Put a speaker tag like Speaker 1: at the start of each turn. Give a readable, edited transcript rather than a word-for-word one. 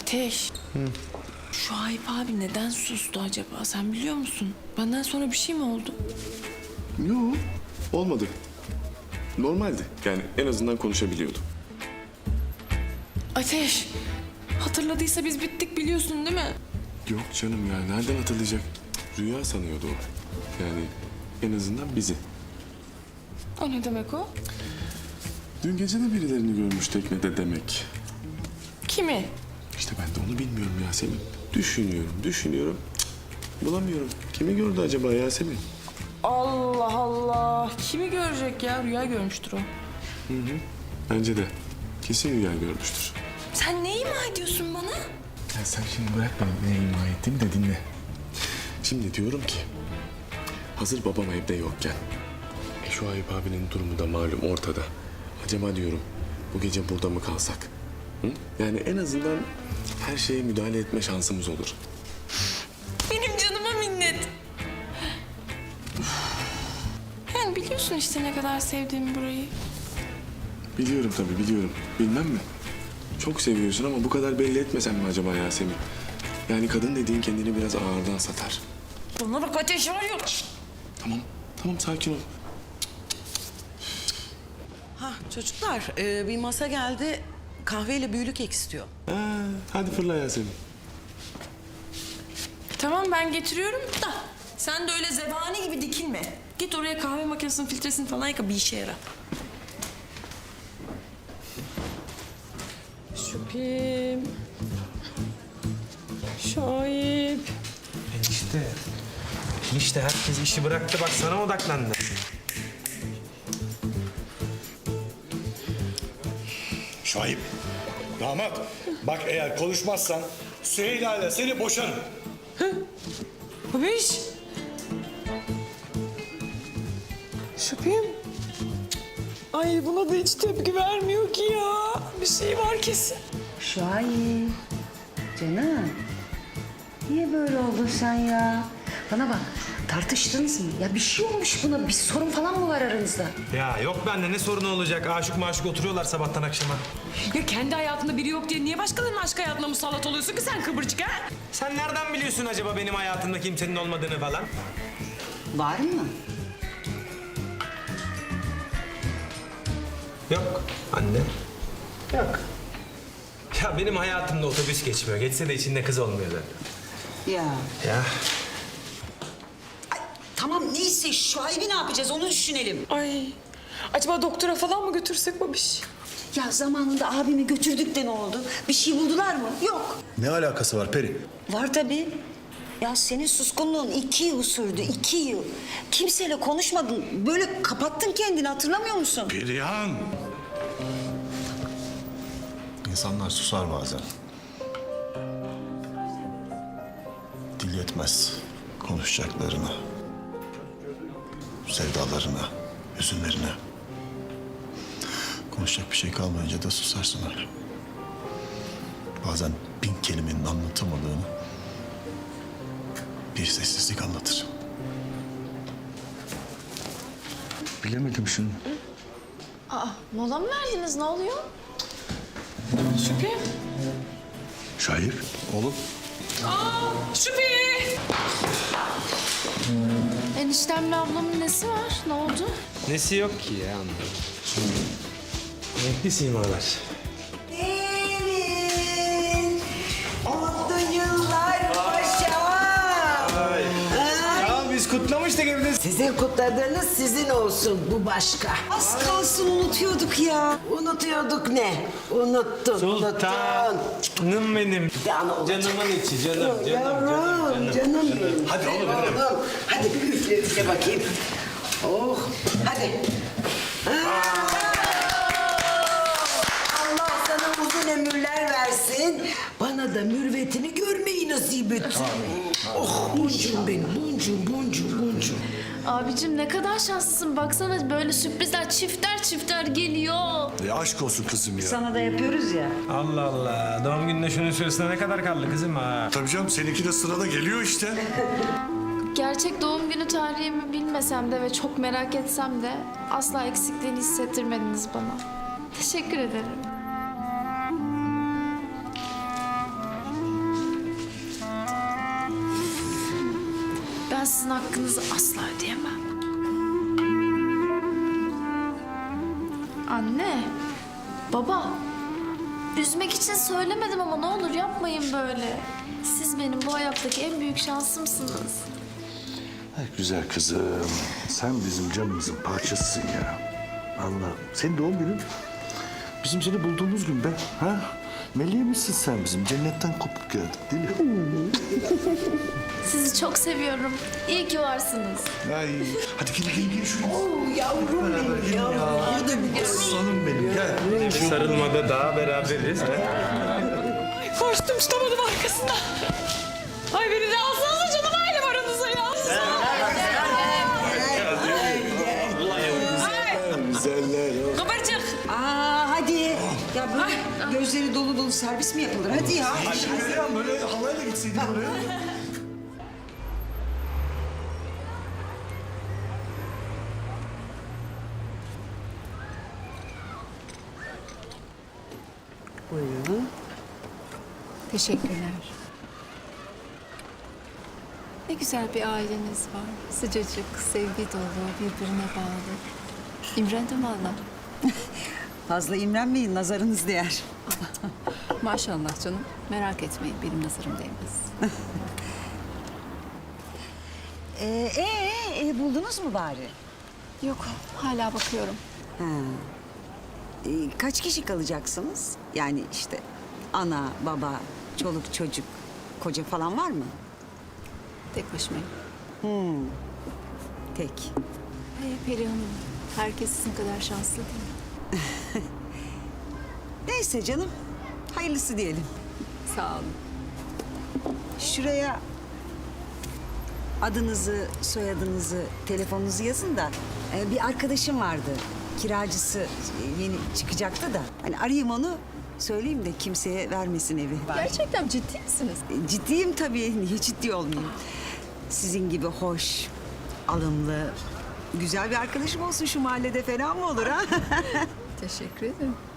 Speaker 1: Ateş. Şuayb abi neden sustu acaba? Sen biliyor musun? Benden sonra bir şey mi oldu?
Speaker 2: Yok, olmadı. Normaldi. Yani en azından konuşabiliyordu.
Speaker 1: Ateş. Hatırladıysa biz bittik biliyorsun değil mi?
Speaker 2: Yok canım ya, nereden hatırlayacak? Rüya sanıyordu o. Yani en azından bizi.
Speaker 1: O ne demek o?
Speaker 2: Dün gece de birilerini görmüş teknede demek.
Speaker 1: Kimi?
Speaker 2: İşte ben de onu bilmiyorum Yasemin. Düşünüyorum. Cık, bulamıyorum. Kimi gördü acaba Yasemin?
Speaker 1: Allah Allah. Kimi görecek ya? Rüya görmüştür o.
Speaker 2: Bence de. Kesin rüya görmüştür.
Speaker 1: Sen ne ima ediyorsun bana?
Speaker 2: Ya sen şimdi bırak beni ne ima ettiğimi de dinle. Şimdi diyorum ki... Hazır babam evde yokken... Şuayb abinin durumu da malum ortada. Acaba diyorum bu gece burada mı kalsak? Hı? Yani en azından her şeye müdahale etme şansımız olur.
Speaker 1: Benim canıma minnet. Yani biliyorsun işte ne kadar sevdiğimi burayı.
Speaker 2: Biliyorum tabii biliyorum. Bilmem mi? Çok seviyorsun ama bu kadar belli etmesen mi acaba Yasemin? Yani kadın dediğin kendini biraz ağırdan satar.
Speaker 1: Bana bak Ateş var ya.
Speaker 2: Tamam sakin ol.
Speaker 3: Ha çocuklar bir masa geldi. Kahveyle büyülü kek istiyor.
Speaker 2: Hadi fırla Yasemin.
Speaker 1: Tamam ben getiriyorum da sen de öyle zebani gibi dikilme. Git oraya kahve makinesinin filtresini falan yıka bir işe yara. Şüphim. Şahip.
Speaker 4: Enişte herkes işi bıraktı bak sana odaklandı.
Speaker 5: Şahip, damat. Bak eğer konuşmazsan Süheyla ile seni boşarım.
Speaker 1: Babiş. Şüphim. Ay buna da hiç tepki vermiyor ki ya. Bir şey var kesin.
Speaker 6: Şahin, canım. Niye böyle oldun sen ya? Bana bak, tartıştınız mı? Ya bir şey olmuş buna, bir sorun falan mı var aranızda?
Speaker 4: Ya yok bende ne sorunu olacak? Aşık maşık oturuyorlar sabahtan akşama.
Speaker 1: Ya kendi hayatında biri yok diye niye başkalarının aşk hayatına musallat oluyorsun ki sen kıvırcık ha?
Speaker 4: Sen nereden biliyorsun acaba benim hayatımda kimsenin olmadığını falan?
Speaker 6: Var mı?
Speaker 4: Yok anne. Yok. Ya benim hayatımda otobüs geçmiyor. Geçse de içinde kız olmuyor zaten.
Speaker 6: Ya.
Speaker 4: Ya.
Speaker 3: Tamam neyse Şuayb'i ne yapacağız onu düşünelim.
Speaker 1: Ay acaba doktora falan mı götürsek babiş?
Speaker 6: Ya zamanında abimi götürdük de ne oldu? Bir şey buldular mı? Yok.
Speaker 5: Ne alakası var Peri?
Speaker 6: Var tabii. Ya senin suskunluğun 2 yıl sürdü, 2 yıl. Kimseyle konuşmadın. Böyle kapattın kendini, hatırlamıyor musun?
Speaker 5: Perihan! İnsanlar susar bazen. Dil yetmez konuşacaklarına, sevdalarına, hüzünlerine. Konuşacak bir şey kalmayınca da susarsın öyle. Bazen 1000 kelimenin anlatamadığını bir sessizlik anlatır. Bilemedim şunu.
Speaker 7: Mola mı verdiniz? Ne oluyor?
Speaker 1: Şüphi.
Speaker 5: Şair, oğlum.
Speaker 1: Şüphi.
Speaker 7: Eniştemle ablamın nesi var? Ne oldu?
Speaker 4: Nesi yok ki ya anladım. Renkli simalar.
Speaker 6: Gelin. Mutlu yıllar paşam.
Speaker 4: Ya biz kutlamıştık evde.
Speaker 8: Sizin kutladığınız sizin olsun, bu başka.
Speaker 6: Az kalsın unutuyorduk ya.
Speaker 8: Unutuyorduk ne? Unuttun,
Speaker 4: Sultanım benim. Canımın içi, canım.
Speaker 8: Yavrum, canım benim.
Speaker 5: Hadi oğlum,
Speaker 8: Oğlum, hadi bir üfle bakayım. Oh, hadi. Allah sana uzun ömürler versin. Bana da mürvetini görmeyi nasip etsin. Oh, boncuğum benim, boncuğum.
Speaker 7: Abicim ne kadar şanslısın. Baksana böyle sürprizler çifter geliyor.
Speaker 5: Aşk olsun kızım ya.
Speaker 6: Sana da yapıyoruz ya.
Speaker 4: Allah Allah. Doğum gününe şunun süresine ne kadar kaldı kızım ha?
Speaker 5: Tabii canım seninki de sırada geliyor işte.
Speaker 7: Gerçek doğum günü tarihimi bilmesem de ve çok merak etsem de asla eksikliğini hissettirmediniz bana. Teşekkür ederim. hakkınızı asla ödeyemem. Anne, baba, üzmek için söylemedim ama ne olur yapmayın böyle. Siz benim bu hayattaki en büyük şansımsınız.
Speaker 9: Ay güzel kızım. Sen bizim canımızın parçasısın ya. Allah'ım. Senin doğum günün bizim seni bulduğumuz gün be. Ha? Meleğimizsin sen bizim. Cennetten kopup geldik değil mi?
Speaker 7: Sizi çok seviyorum. İyi ki varsınız.
Speaker 9: Ay. Hadi gel şuraya. Yavrum benim ya. Aslanım benim gel.
Speaker 4: Bir sarılmada daha beraberiz.
Speaker 1: Ay koştum tutamadım arkasından. Ay beni de alsanıza canım ailem aranıza ya.
Speaker 2: Güzeller.
Speaker 1: Kıvırcık.
Speaker 8: Hadi. Ya böyle gözleri dolu dolu servis mi yapılır? Hadi ya.
Speaker 9: Perihan böyle halayla gitseydin oraya.
Speaker 10: Teşekkürler. Ne güzel bir aileniz var. Sıcacık, sevgi dolu, birbirine bağlı. İmrendim valla.
Speaker 8: Fazla imrenmeyin, nazarınız değer.
Speaker 10: Maşallah canım. Merak etmeyin, benim nazarım değmez.
Speaker 8: Buldunuz mu bari?
Speaker 10: Yok, hala bakıyorum.
Speaker 8: Kaç kişi kalacaksınız? Yani işte ana, baba, çoluk, çocuk, koca falan var mı?
Speaker 10: Tek başımayım.
Speaker 8: Tek.
Speaker 10: Perihan'ım, herkes sizin kadar şanslı değil mi?
Speaker 8: Neyse canım, hayırlısı diyelim.
Speaker 10: Sağ olun.
Speaker 8: Şuraya adınızı, soyadınızı, telefonunuzu yazın da bir arkadaşım vardı. Kiracısı yeni çıkacaktı da. Hani arayayım onu, söyleyeyim de kimseye vermesin evi.
Speaker 10: Gerçekten ciddi misiniz?
Speaker 8: Ciddiyim tabii. Niye ciddi olmayayım? Sizin gibi hoş, alımlı, güzel bir arkadaşım olsun şu mahallede fena mı olur ha?
Speaker 10: Teşekkür ederim.